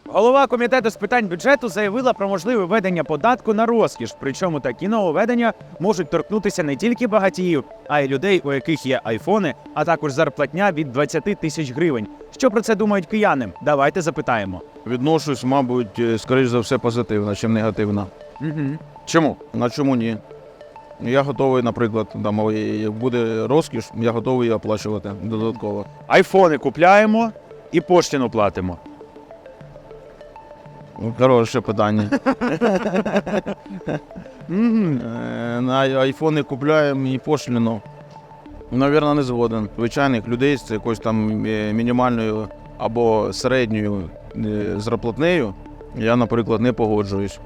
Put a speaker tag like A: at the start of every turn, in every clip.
A: Голова комітету з питань бюджету заявила про можливе введення податку на розкіш. Причому такі нововведення можуть торкнутися не тільки багатіїв, а й людей, у яких є айфони, а також зарплатня від 20 тисяч гривень. Що про це думають кияни? Давайте запитаємо.
B: Відношусь, мабуть, скоріш за все позитивно, чим негативно.
A: Чому?
B: На чому ні? Я готовий, наприклад, там, як буде розкіш, я готовий її оплачувати додатково.
A: Айфони купляємо і поштину платимо.
B: Хороше питання. На айфони купляємо і пошліну. Навірно, не згоден. Звичайних людей з якоюсь там мінімальною або середньою зарплатнею я, наприклад, не погоджуюсь.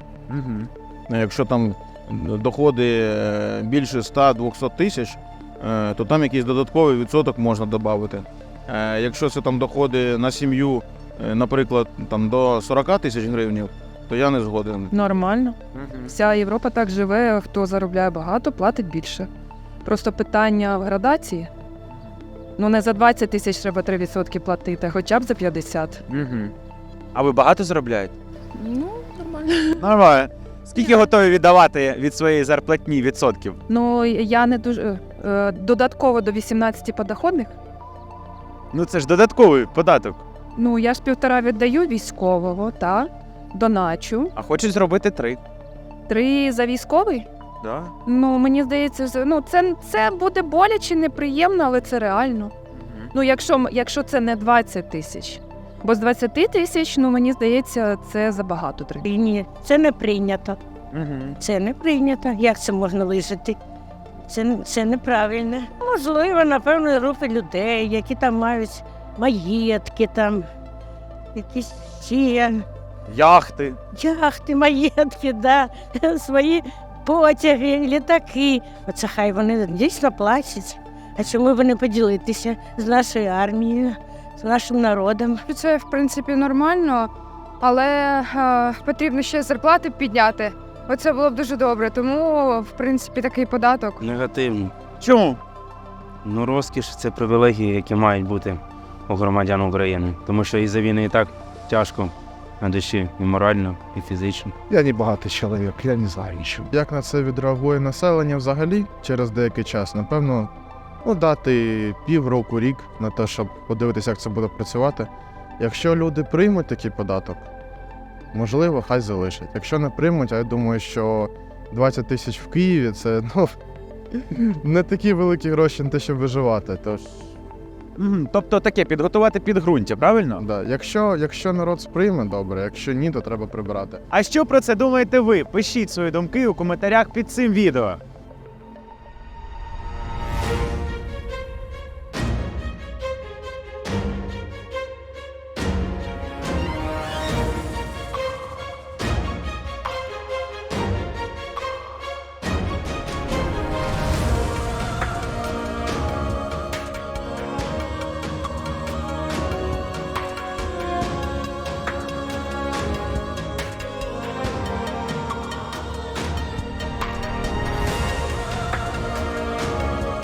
B: Якщо там доходи більше 100-200 тисяч, то там якийсь додатковий відсоток можна додати. Якщо це там доходи на сім'ю, наприклад, там до 40 тисяч гривень, то я не згоден.
C: Нормально. Вся Європа так живе, хто заробляє багато, платить більше. Просто питання в градації. Ну не за 20 тисяч треба 3% платити, а хоча б за 50.
A: А ви багато заробляєте?
C: Ну, нормально.
A: Нормально. Скільки готові віддавати від своєї зарплатні відсотків?
C: Ну, я не дуже... додатково до 18 подоходних.
A: Ну це ж додатковий податок.
C: Ну, я ж 1,5 віддаю військового, так, доначу.
A: А хочуть зробити 3.
C: 3 за військовий?
A: Да.
C: Ну, мені здається, ну, це буде боляче, неприємно, але це реально. Ну, якщо це не 20 тисяч. Бо з 20 тисяч, ну, мені здається, це забагато 3.
D: Ні, це не прийнято.
A: Угу.
D: Це не прийнято. Як це можна вижити? Це неправильно. Можливо, на певної групи людей, які там мають маєтки, там, якісь ще
A: Яхти.
D: яхти, маєтки, да, свої потяги, літаки. Оце хай вони дійсно платять. А чому б не поділитися з нашою армією, з нашим народом?
E: Це, в принципі, нормально, але потрібно ще зарплати підняти. Оце було б дуже добре, тому, в принципі, такий податок.
F: Негативно.
A: Чому?
F: Ну, розкіш – це привілегії, які мають бути у громадян України. Тому що із-за війни і так тяжко на душі і морально, і фізично.
G: Я не багатий чоловік, я не знаю нічого. Як на це відреагує населення взагалі через деякий час? Напевно, дати півроку, рік на те, щоб подивитися, як це буде працювати. Якщо люди приймуть такий податок, можливо, хай залишать. Якщо не приймуть, а я думаю, що 20 тисяч в Києві – це, не такі великі гроші на те, щоб виживати. Тож,
A: Тобто таке, підготувати підґрунтя, правильно?
G: да, якщо народ сприйме, добре, якщо ні, то треба прибирати.
A: А що про це думаєте ви? Пишіть свої думки у коментарях під цим відео.